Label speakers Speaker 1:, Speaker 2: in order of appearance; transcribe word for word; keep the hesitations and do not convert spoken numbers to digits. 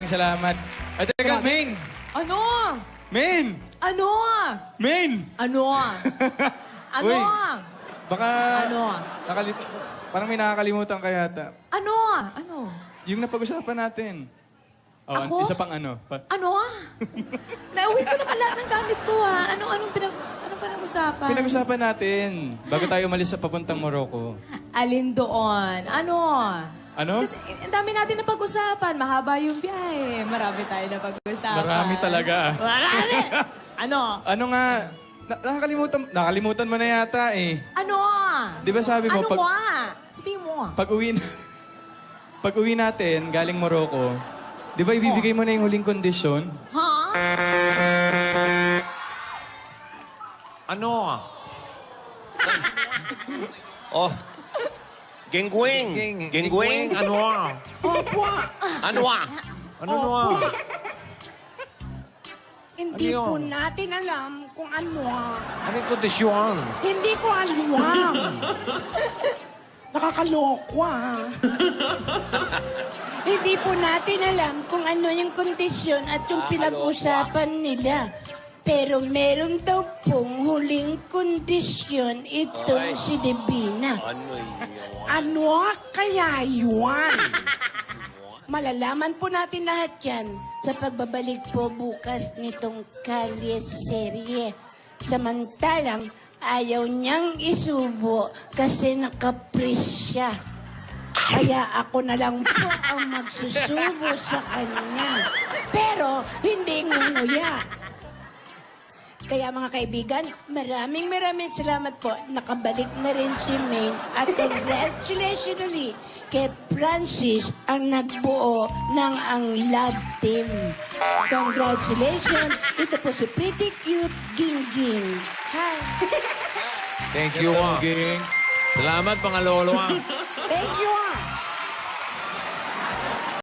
Speaker 1: salamat. Ay, teka, Main!
Speaker 2: Ano?
Speaker 1: Main!
Speaker 2: Ano?
Speaker 1: Main!
Speaker 2: Ano? Ano?
Speaker 1: Uy. Baka...
Speaker 2: Ano?
Speaker 1: Nakalit... Parang may nakakalimutan ka yata.
Speaker 2: Ano? Ano?
Speaker 1: Yung napag-usapan natin. Oh,
Speaker 2: Ako?
Speaker 1: isa pang ano. Pa
Speaker 2: Ano? Nauwi ko naman lahat ng gamit ko, ha? Ano, anong pinag... Anong pinag-usapan?
Speaker 1: Pinag-usapan natin. Bago tayo umalis sa papuntang Morocco.
Speaker 2: Alin doon? Ano?
Speaker 1: Ano?
Speaker 2: Kasi ang dami natin na pag-usapan. Mahaba yung biyahe. Marami tayo na pag-usapan.
Speaker 1: Marami talaga.
Speaker 2: Marami! Ano?
Speaker 1: Ano nga? Na nakakalimutan, nakalimutan mo na yata eh.
Speaker 2: Ano?
Speaker 1: Di ba sabi mo,
Speaker 2: ano
Speaker 1: pag,
Speaker 2: nga? Sabihin mo.
Speaker 1: pag uwi na, pag uwi natin, galing Morocco, di ba ibibigay mo na yung huling kondisyon?
Speaker 2: Ha?
Speaker 3: Ano? Oh. Genggueng. Genggueng. Ano?
Speaker 4: Opo.
Speaker 3: Ano? Ano? Ano?
Speaker 4: Hindi
Speaker 3: Ano
Speaker 4: po
Speaker 3: yun?
Speaker 4: natin alam kung ano.
Speaker 3: Ano yung kondisyon?
Speaker 4: Hindi ko alam. Nakakaloko ah. Hindi po natin alam kung ano yung kondisyon at yung pinag-usapan nila. Pero meron daw pong huling kondisyon itong si Divina.
Speaker 3: Ano yun?
Speaker 4: Ano kaya yun? Malalaman po natin lahat yan sa pagbabalik po bukas nitong Kalye Serye. Samantalang ayaw niyang isubo kasi nakapris siya. Kaya ako na lang po ang magsusubo sa kanya. Pero hindi ngunuya. Kaya mga kaibigan, maraming maraming salamat po. Nakabalik na rin si Maine. At congratulations ulit kay Francis ang nagbuo ng ang love team. Congratulations. Ito po si Pretty Cute Gingging. Hi.
Speaker 3: Thank you, ah.
Speaker 1: Ging.
Speaker 3: Salamat, mga lolo, ah.
Speaker 4: Thank you.